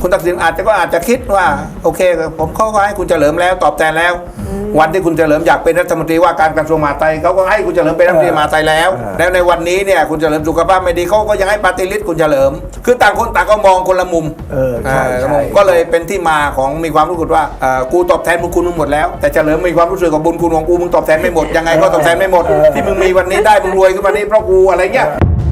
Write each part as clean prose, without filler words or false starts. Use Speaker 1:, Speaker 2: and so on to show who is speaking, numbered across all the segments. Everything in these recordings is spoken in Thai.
Speaker 1: คุณทักษิณอาจจะคิดว่าโอเคผมเขาก็ให้คุณเฉลิมแล้วตอบแทนแล้ว วันที่คุณเฉลิมอยากเป็นรัฐมนตรีว่าการกระทรวงมหาดไทยเขาก็ให้คุณเฉลิมเป็นรัฐมนตรีมหาดไทยแล้วในวันนี้เนี่ยคุณเฉลิมสุขภาพไม่ดีเขาก็ยังให้ปฏิริษีคุณเฉลิมคือต่างคนต่างก็มองคนละมุมก็เลยเป็นที่มาของมีความรู้สึกว่ากูตอบแทนบุญคุณมึงหมดแล้วแต่เฉลิมมีความรู้สึกกับบุญคุณของกูมึงตอบแทนไม่หมดยังไงก็ตอบแทนไม่หมดที่มึงมีวันนี้ได้มึงรวยขึ้นมานี้เพราะกูอะไรเงี้ย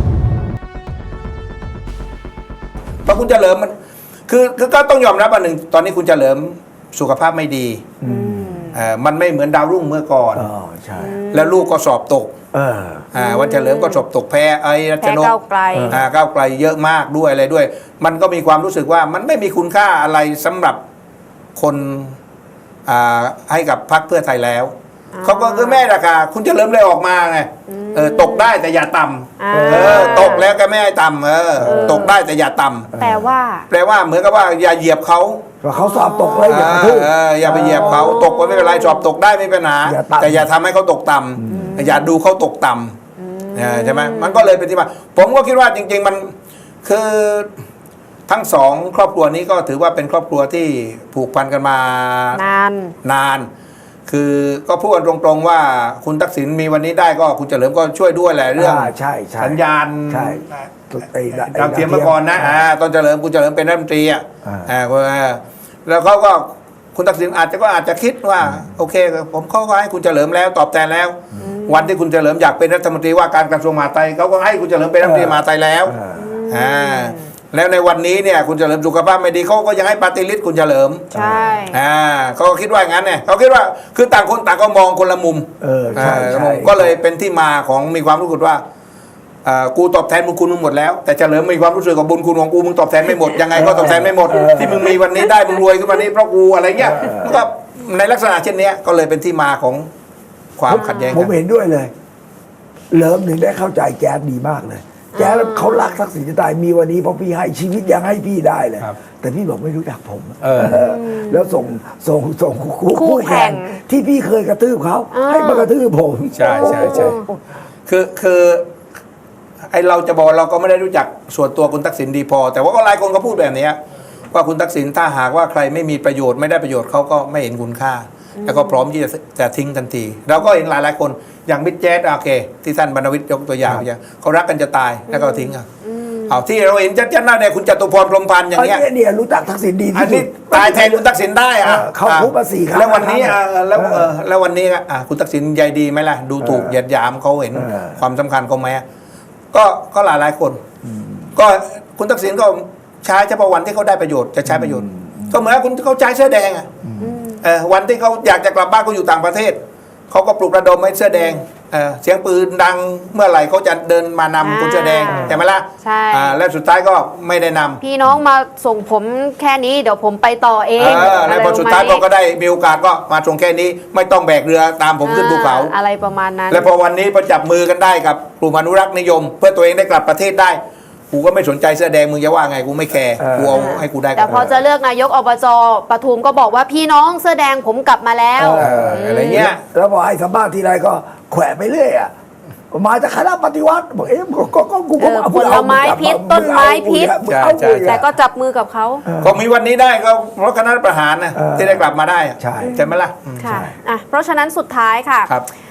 Speaker 1: เพราะคุณเฉลิมมันคือก็ต้องยอมรับอันหนึ่งตอนนี้คุณเฉลิมสุขภาพไม่ดีมันไม่เหมือนดาวรุ่งเมื่อก่อน
Speaker 2: ใช่
Speaker 1: แล้วลูกก็สอบตกวันเฉลิมก็สอบตกแพ้รัชนกก้าวไกลเยอะมากด้วยอะไรด้วยมันก็มีความรู้สึกว่ามันไม่มีคุณค่าอะไรสำหรับคนให้กับพรรคเพื่อไทยแล้วเขาก็คือแม่ราคาคุณเฉลิมเลยออกมาไงตกได้แต่อย่าต่ำตกแล้วก็ไม่ให้ต่ำตกได้แต่อย่าต่ำแปลว่าเหมือนกับว่าอย่าเหยียบเขา
Speaker 2: เขาสอบตกเลย
Speaker 1: อย่าไปเหยียบเขาตกก็ไม่เป็นไรสอบตกได้ไม่เป็นปัญหาแต่อย่าทำให้เขาตกต่ำอย่าดูเขาตกต่ำใช่ไหมมันก็เลยเป็นที่มาผมก็คิดว่าจริงๆมันคือทั้งสองครอบครัวนี้ก็ถือว่าเป็นครอบครัวที่ผูกพันกันมานานคือก็พูดกันตรงๆว่าคุณทักษิณมีวันนี้ได้ก็คุณเฉลิมก็ช่วยด้วยแหละเรื่องสัญญาณดาวเทียมเมื่อก่อนนะตอนเฉลิมคุณเฉลิมเป็นรัฐมนตรีแล้วเขาก็คุณทักษิณอาจจะคิดว่าโอเคผมเขาก็ให้คุณเฉลิมแล้วตอบแทนแล้ว วันที่คุณเฉลิมอยากเป็นรัฐมนตรีว่าการกระทรวงมหาดไทยเขาก็ให้คุณเฉลิมเป็นรัฐมนตรีมหาดไทยแล้วแล้วในวันนี้เนี่ยคุณเฉลิมสุขภาพไม่ดีเขาก็ยังให้ปฏิริษีคุณเฉลิม
Speaker 3: ใช่
Speaker 1: เขาก็คิดว่าอย่างนั้นเนี่ยเขาคิดว่าคือต่างคนต่างก็มองคนละมุมก็เลยเป็นที่มาของมีความรู้สึกว่ากูตอบแทนบุญคุณมึงหมดแล้วแต่เฉลิมมีความรู้สึกกับบุญคุณของกูมึงตอบแทนไม่หมดยังไงก็ตอบแทนไม่หมดที่มึงมีวันนี้ได้มึงรวยขึ้นมานี้เพราะกูอะไรเงี้ยก็ในลักษณะเช่นนี้ก็เลยเป็นที่มาของความขัดแย้ง
Speaker 2: ผมเห็นด้วยเลยเลิมหนึ่งได้เข้าใจแจ๊ดดีมากเลยแจ๊ดเขารักทักษิณจะตายมีวันนี้เพราะพี่ให้ชีวิตยังให้พี่ได้เลยแต่พี่บอกไม่รู้จักผมแล้วส่งคู่แข่งที่พี่เคยกระทืบเขาให้มากระทืบผม
Speaker 1: ใช่คือไอเราจะบอกเราก็ไม่ได้รู้จักส่วนตัวคุณทักษิณดีพอแต่ว่าก็หลายคนก็พูดแบบนี้ว่าคุณทักษิณถ้าหากว่าใครไม่มีประโยชน์ไม่ได้ประโยชน์เขาก็ไม่เห็นคุณค่าแล้วก็พร้อมที่จะทิ้งทันทีเราก็เห็นหลายคนอย่างบิ๊กแจ๊ดโอเคที่ท่านบรรณวิทย์ยกตัวอย่างเขารักกันจะตายแล้วก็ทิ้งเอาที่เราเห็นชัดๆหน้าเนี่ยคุณจตุพรพรหมพันธ์อย่างเงี้ย
Speaker 2: เนี่ยรู้จักทักษิณดีที่สุด
Speaker 1: ตายแทนคุณทักษิณได้
Speaker 2: เขาคุกมา4 ครั้ง
Speaker 1: แล้ววันนี้แล้ววันนี้คุณทักษิณใยดีไหมล่ะดูถูกเหยียดหยามเขาเห็นความสำคัญเขาไหมก็หลายคนก็คุณทักษิณก็ใช้เฉพาะวันที่เขาได้ประโยชน์จะใช้ประโยชน์ก็เหมือนคุณเขาใช้เสื้อแดงวันที่เขาอยากจะกลับบ้านเขาอยู่ต่างประเทศเขาก็ปลุกระดมให้เสื้อแดงเสียงปืนดังเมื่อไหร่เขาจะเดินมานำคนเสื้อแดงใช่ไหมล่ะ
Speaker 3: ใช่
Speaker 1: แล้วสุดท้ายก็ไม่ได้นำ
Speaker 3: พี่น้องมาส่งผมแค่นี้เดี๋ยวผมไปต่อเอง
Speaker 1: แล้วพอสุดท้ายก็ได้มีโอกาสก็มาส่งแค่นี้ไม่ต้องแบกเรือตามผมขึ้นภูเขา
Speaker 3: อะไรประมาณนั้น
Speaker 1: แล้วพอวันนี้พอจับมือกันได้กับกลุ่มอนุรักษ์นิยมเพื่อตัวเองได้กลับประเทศได้กูก็ไม่สนใจเสื้อแดงมึงจะว่าไงกูไม่แคร์กูเอาให้กูได้
Speaker 3: แต่พอจะเลือกนายกอบจปทุมก็บอกว่าพี่น้องเสื้อแดงผมกลับมาแล้ว
Speaker 1: อะไรเงี้ย
Speaker 2: แล้วพอให้สัมภาษณ์ทีไรก็แขวะไปเรื่อยมาจากคณะปฏิวัติบอกกูก็
Speaker 3: ผลไม้พิษต้นไม้พิษแต่ก็จับมือกับเขา
Speaker 1: ก็มีวันนี้ได้ก็เพราะคณะประหารนะที่ได้กลับมาได้ใช่ไหมล่ะ
Speaker 3: ค่ะเพราะฉะนั้นสุดท้ายค่ะ